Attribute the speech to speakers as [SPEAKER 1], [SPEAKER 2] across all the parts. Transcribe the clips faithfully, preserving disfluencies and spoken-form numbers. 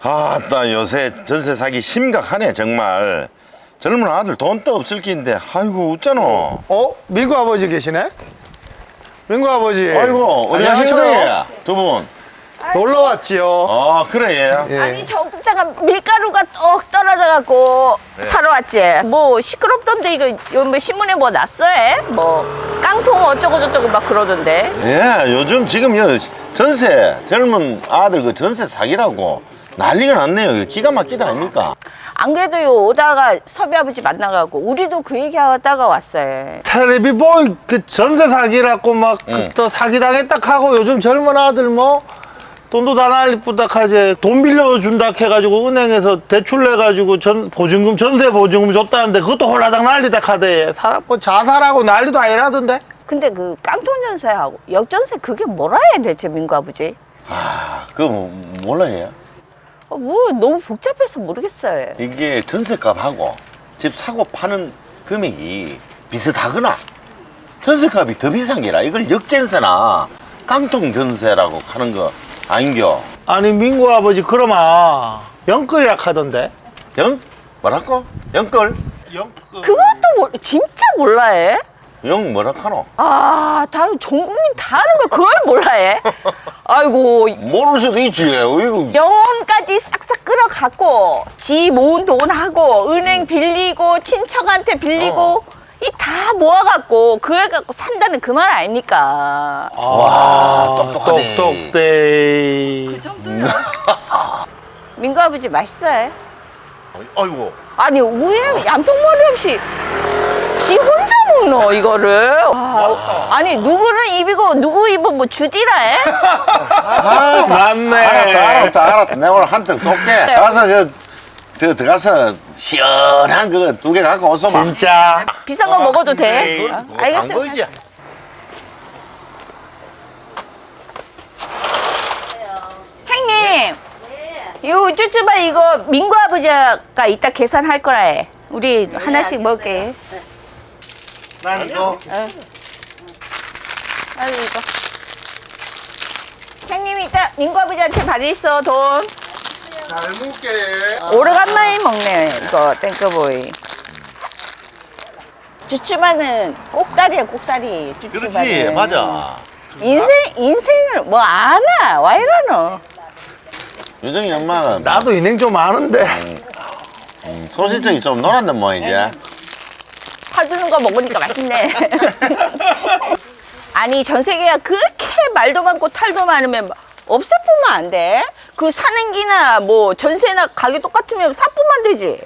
[SPEAKER 1] 아따 요새 전세 사기 심각하네 정말. 젊은 아들 돈도 없을 낀데 아이고 웃잖아.
[SPEAKER 2] 어? 민구 아버지 계시네? 민구 아버지.
[SPEAKER 1] 아이고 어디 하시는 두 분?
[SPEAKER 2] 놀러 왔지요.
[SPEAKER 1] 아 그래 얘.
[SPEAKER 2] 예.
[SPEAKER 3] 아니 저기다가 밀가루가 떡 떨어져갖고 사러 왔지. 뭐 시끄럽던데 이거 요 뭐 신문에 뭐 났어요? 뭐 깡통 어쩌고 저쩌고 막 그러던데.
[SPEAKER 1] 예 요즘 지금 요 전세 젊은 아들 그 전세 사기라고 난리가 났네요. 이거 기가 막히다 아닙니까?
[SPEAKER 3] 안 그래도 요 오다가 섭이 아버지 만나가고 우리도 그 얘기하다가 왔어요.
[SPEAKER 2] 텔레비 보이 그 전세 사기라고 막
[SPEAKER 1] 응.
[SPEAKER 2] 또 사기 당했다 하고 요즘 젊은 아들 뭐 돈도 다 날리쁘다 하지. 돈 빌려준다 해가지고 은행에서 대출 내가지고 전 보증금 전세 보증금 줬다는데 그것도 홀라당 날리다 하대. 사람 뭐 자살하고 난리도 아니라던데.
[SPEAKER 3] 근데 그 깡통 전세하고 역전세 그게 뭐라 해야 되지 민구 아버지?
[SPEAKER 1] 아 그거 뭐, 몰라 얘.
[SPEAKER 3] 어, 뭐 너무 복잡해서 모르겠어요.
[SPEAKER 1] 이게 전세값하고 집 사고 파는 금액이 비슷하거나 전세값이 더 비싼 게라 이걸 역전세나 깡통 전세라고 하는 거 아닌겨?
[SPEAKER 2] 아니 민구 아버지 그러마 영끌이라 하던데.
[SPEAKER 1] 영? 뭐라고? 영끌?
[SPEAKER 2] 영끌.
[SPEAKER 3] 그것도 뭐, 진짜 몰라해?
[SPEAKER 1] 영 뭐라 카노?
[SPEAKER 3] 아, 다 전 국민 다 아는 거 그걸 몰라해? 아이고
[SPEAKER 1] 모를 수도 있지. 이거
[SPEAKER 3] 영혼까지 싹싹 끌어갖고 지 모은 돈하고 은행 빌리고 친척한테 빌리고
[SPEAKER 1] 어.
[SPEAKER 3] 이 다 모아갖고 그걸 갖고 산다는 그 말 아닙니까?
[SPEAKER 1] 와, 똑똑하네.
[SPEAKER 2] 똑똑대.
[SPEAKER 3] 민구 아버지 맛있어요?
[SPEAKER 1] 아이고.
[SPEAKER 3] 아니 왜 얌통머리 없이 지 혼자 먹노 이거를? 아, 아니 누구는 입이고 누구 입은 뭐 주디라 해?
[SPEAKER 2] 아 맞네.
[SPEAKER 1] 알았다, 알았다, 알았다. 내가 오늘 한턱 쏠게. 가서 저, 저 들어가서 시원한 그거 두 개 갖고 오소 마.
[SPEAKER 2] 진짜.
[SPEAKER 3] 비싼 거 먹어도 돼?
[SPEAKER 1] 그건
[SPEAKER 3] 어?
[SPEAKER 1] 그거
[SPEAKER 3] 알겠어요.
[SPEAKER 1] 당근이지.
[SPEAKER 3] 형님, 요 쭈쭈바 이거 민구 아버지가 이따 계산할 거라 해. 우리 하나씩 먹을게.
[SPEAKER 1] 난 이거.
[SPEAKER 3] 어. 아유 이거. 형님이 이따 민구 아버지한테 받으있어 돈.
[SPEAKER 2] 잘 먹게.
[SPEAKER 3] 오래간만에 먹네 이거 땡크보이. 쭈쭈바는 꼭다리야 꼭다리. 쭈쭈바는.
[SPEAKER 1] 그렇지, 맞아.
[SPEAKER 3] 인생 인생을 뭐 아나 와 이러노.
[SPEAKER 1] 유정이 엄마는
[SPEAKER 2] 나도 인행 좀 아는데.
[SPEAKER 1] 음, 소실적이 좀 놀았는 모양이지.
[SPEAKER 3] 사주는 거 먹으니까 맛있네. 아니 전 세계가 그렇게 말도 많고 탈도 많으면 없애뿐만 안 돼. 그 사는 기나 뭐 전세나 가격 똑같으면 사뿐만 되지.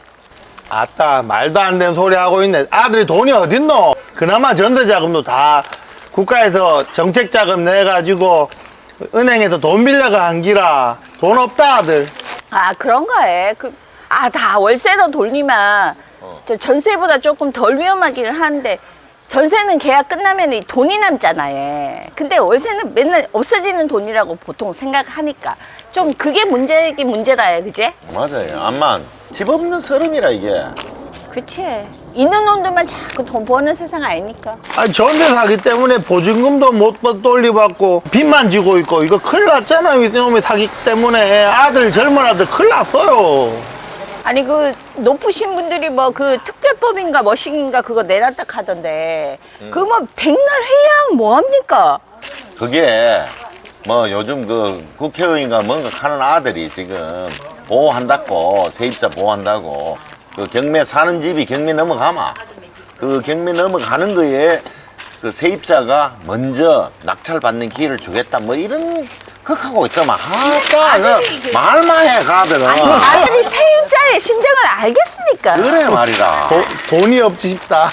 [SPEAKER 2] 아따 말도 안 되는 소리 하고 있네. 아들이 돈이 어딨노? 그나마 전세자금도 다 국가에서 정책자금 내가지고 은행에서 돈 빌려가 한 기라. 돈 없다 아들.
[SPEAKER 3] 아 그런가 해. 그, 아 다 월세로 돌리면 저 전세보다 조금 덜 위험하기는 한데 전세는 계약 끝나면 이 돈이 남잖아 얘. 근데 월세는 맨날 없어지는 돈이라고 보통 생각하니까 좀 그게 문제이긴 문제라 해 그제?
[SPEAKER 1] 맞아요. 암만 집 없는 서름이라 이게.
[SPEAKER 3] 그치. 있는 놈들만 자꾸 돈 버는 세상 아니니까.
[SPEAKER 2] 아니 전세 사기 때문에 보증금도 못 돌려받고 빚만 지고 있고 이거 큰일 났잖아요. 이놈의 사기 때문에 아들 젊은 아들 큰일 났어요.
[SPEAKER 3] 아니 그 높으신 분들이 뭐 그 특별법인가 뭐식인가 그거 내놨다 하던데 그 뭐 백날 회의하면 뭐합니까?
[SPEAKER 1] 그게 뭐 요즘 그 국회의원인가 뭔가 하는 아들이 지금 보호한다고 세입자 보호한다고 그 경매 사는 집이 경매 넘어가마 그 경매 넘어가는 거에 그 세입자가 먼저 낙찰 받는 기회를 주겠다 뭐 이런 극하고 있더만 아따 그 말만 해 가들은
[SPEAKER 3] 아니 아들이 세입자의 심정을 알겠습니까?
[SPEAKER 1] 그래 말이다.
[SPEAKER 2] 도, 돈이 없지 싶다.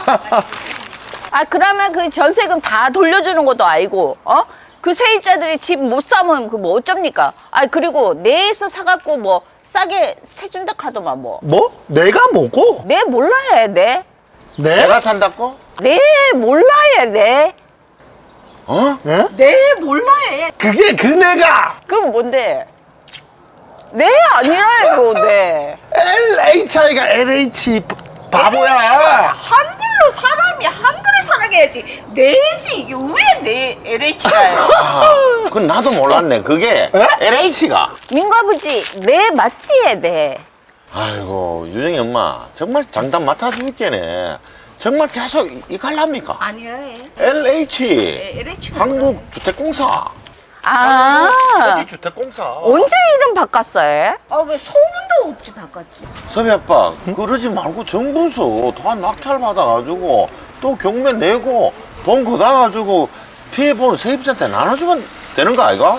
[SPEAKER 3] 아 그러면 그 전세금 다 돌려주는 것도 아니고 어? 그 세입자들이 집 못 사면 그 뭐 어쩝니까? 아 그리고 내에서 사갖고 뭐 싸게 세준다 하더만 뭐.
[SPEAKER 2] 뭐? 내가 뭐고?
[SPEAKER 3] 내 몰라야 내.
[SPEAKER 2] 내?
[SPEAKER 1] 내가 산다고?
[SPEAKER 3] 내 몰라야 내.
[SPEAKER 1] 어?
[SPEAKER 2] 예?
[SPEAKER 3] 내 몰라야.
[SPEAKER 2] 그게 그 내가
[SPEAKER 3] 그건 뭔데? 내 아니라 이거 내.
[SPEAKER 2] 엘에이치아이가 엘에이치 바보야.
[SPEAKER 3] 한글로 사람이 한글을 살아가야지. 내지 이게 왜 내 엘에이치가요?
[SPEAKER 1] 그건 나도 몰랐네. 그게 엘에이치가.
[SPEAKER 3] 민구 아버지 네 맞지에 네.
[SPEAKER 1] 아이고 유정이 엄마 정말 장단 맞춰줄게네. 정말 계속 이- 이갈랍니까?
[SPEAKER 3] 아니요.
[SPEAKER 1] 엘에이치
[SPEAKER 3] 엘에이치.
[SPEAKER 1] 한국주택공사.
[SPEAKER 3] 아
[SPEAKER 1] 주택공사.
[SPEAKER 3] 언제 이름 바꿨어요? 아왜 소문도 없지 바꿨지?
[SPEAKER 1] 서비 아빠 그러지 말고 정부에서 다 낙찰 받아가지고 또 경매 내고 돈 걷어가지고 피해보는 세입자한테 나눠주면 되는 거 아이가?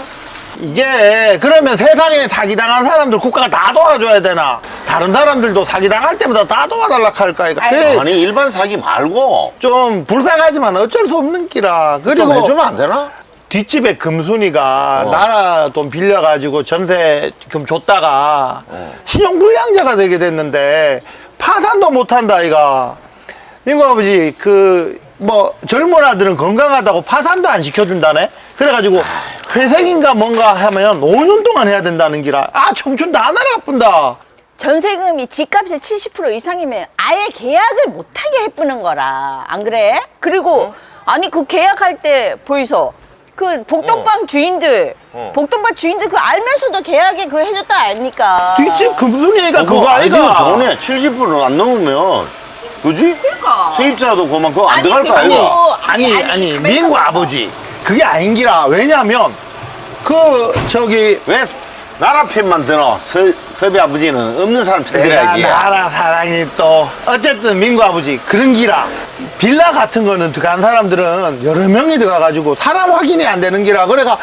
[SPEAKER 2] 이게 그러면 세상에 사기당한 사람들 국가가 다 도와줘야 되나? 다른 사람들도 사기당할 때마다 다 도와달라 할까 이거. 그
[SPEAKER 1] 아니 일반 사기 말고
[SPEAKER 2] 좀 불쌍하지만 어쩔 수 없는 기라.
[SPEAKER 1] 좀
[SPEAKER 2] 그리고
[SPEAKER 1] 해주면 안 되나?
[SPEAKER 2] 뒷집에 금순이가
[SPEAKER 1] 어.
[SPEAKER 2] 나라 돈 빌려가지고 전세금 줬다가
[SPEAKER 1] 어.
[SPEAKER 2] 신용불량자가 되게 됐는데 파산도 못한다 아이가. 민구 아버지 그 뭐 젊은 아들은 건강하다고 파산도 안 시켜준다네. 그래가지고 회생인가 뭔가 하면 오 년 동안 해야 된다는 기라. 아 청춘 다 날아뿐다.
[SPEAKER 3] 전세금이 집값의 칠십 퍼센트 이상이면 아예 계약을 못하게 해쁘는 거라 안 그래? 그리고 아니 그 계약할 때 보이소 그 복덕방 주인들
[SPEAKER 1] 어.
[SPEAKER 3] 복덕방 주인들 그 알면서도 계약에 그거 해줬다 아닙니까?
[SPEAKER 2] 뒷집 금순이가 그거
[SPEAKER 1] 아이디어
[SPEAKER 2] 아이가.
[SPEAKER 1] 좋네. 칠십 퍼센트 안 넘으면 그지?
[SPEAKER 3] 그러니까.
[SPEAKER 1] 세입자도 그만 그거 안
[SPEAKER 3] 아니,
[SPEAKER 1] 들어갈 거
[SPEAKER 3] 그거
[SPEAKER 1] 아이가?
[SPEAKER 2] 아니
[SPEAKER 3] 아니,
[SPEAKER 2] 아니,
[SPEAKER 3] 아니,
[SPEAKER 2] 민구
[SPEAKER 3] 가만있어.
[SPEAKER 2] 아버지 그게 아닌기라. 왜냐면 그 저기
[SPEAKER 1] 왜 나라 편만 드노? 서, 섭이 아버지는 없는 사람 편
[SPEAKER 2] 내가
[SPEAKER 1] 들어야지.
[SPEAKER 2] 나라 사랑이 또 어쨌든 민구 아버지 그런 기라. 빌라 같은 거는 들어간 사람들은 여러 명이 들어가가지고 사람 확인이 안 되는 기라. 그래가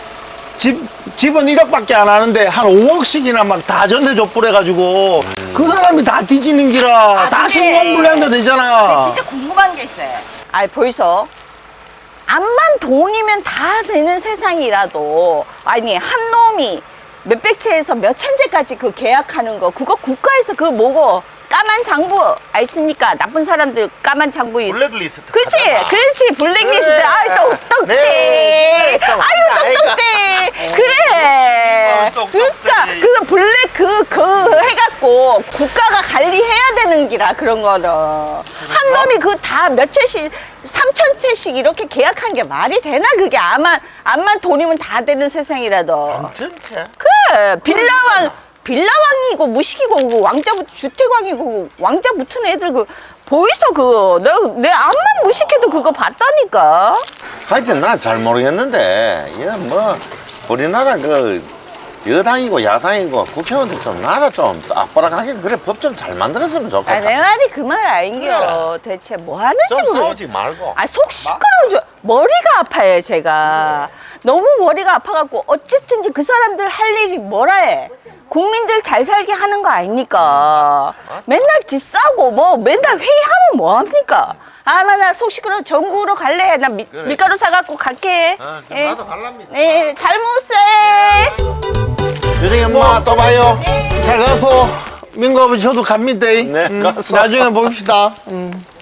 [SPEAKER 2] 집 집은 일억밖에 안 하는데 한 오억씩이나 막 다 전세 족불해가지고 그 사람이 다 뒤지는 기라. 다
[SPEAKER 3] 근데
[SPEAKER 2] 신용불량자 되잖아.
[SPEAKER 3] 진짜 궁금한 게 있어요. 아 보이소. 암만 돈이면 다 되는 세상이라도 아니 한 놈이 몇백 채에서 몇천 채까지 그 계약하는 거 그거 국가에서 그거 뭐고 까만 장부 아십니까? 나쁜 사람들 까만 장부 있
[SPEAKER 1] 블랙리스트.
[SPEAKER 3] 그렇지,
[SPEAKER 1] 가잖아.
[SPEAKER 3] 그렇지 블랙리스트.
[SPEAKER 1] 그래.
[SPEAKER 3] 아유 똑똑해.
[SPEAKER 1] 네, 좀
[SPEAKER 3] 아유
[SPEAKER 1] 아이가,
[SPEAKER 3] 똑똑해. 그래.
[SPEAKER 1] 어, 똑똑해.
[SPEAKER 3] 그러니까 그 블랙 그 그 해갖고 국가가 관리해야 되는 기라 그런 거는 한 놈이 그 다 몇 채씩 삼천 채씩 이렇게 계약한 게 말이 되나 그게 암만 암만 돈이면 다 되는 세상이라도.
[SPEAKER 1] 전체.
[SPEAKER 3] 그래 빌라왕 빌라왕이고 무식이고 그 왕자 주택왕이고 왕자 붙은 애들 그 보이소 그거 내내 암만 무식해도 그거 봤다니까.
[SPEAKER 1] 하여튼 나 잘 모르겠는데 이거 뭐 우리나라 그 여당이고 야당이고 국회의원들 좀 나라 좀 악바락하게 그래 법 좀 잘 만들었으면 좋겠다.
[SPEAKER 3] 아 내 말이 그 말 아닌겨. 대체 뭐 하는지
[SPEAKER 1] 좀
[SPEAKER 3] 모르.
[SPEAKER 1] 싸우지 말고.
[SPEAKER 3] 아 속 시끄러워져. 머리가 아파요 제가. 너무 머리가 아파갖고 어쨌든지 그 사람들 할 일이 뭐라 해. 국민들 잘 살게 하는 거 아닙니까? 맨날 뒷싸고 뭐 맨날 회의하면 뭐합니까? 아 나 나 속 시끄러워. 전구로 갈래. 나 미,
[SPEAKER 1] 그래.
[SPEAKER 3] 밀가루 사갖고 갈게.
[SPEAKER 1] 아, 그럼
[SPEAKER 3] 예.
[SPEAKER 1] 나도 갈랍니다.
[SPEAKER 3] 네, 잘 먹었어요.
[SPEAKER 1] 유정이 엄마 또 봐요.
[SPEAKER 2] 잘 가서 민구 아버지 저도 갑니다.
[SPEAKER 1] 네,
[SPEAKER 2] 음,
[SPEAKER 1] 가서.
[SPEAKER 2] 나중에 봅시다. 음.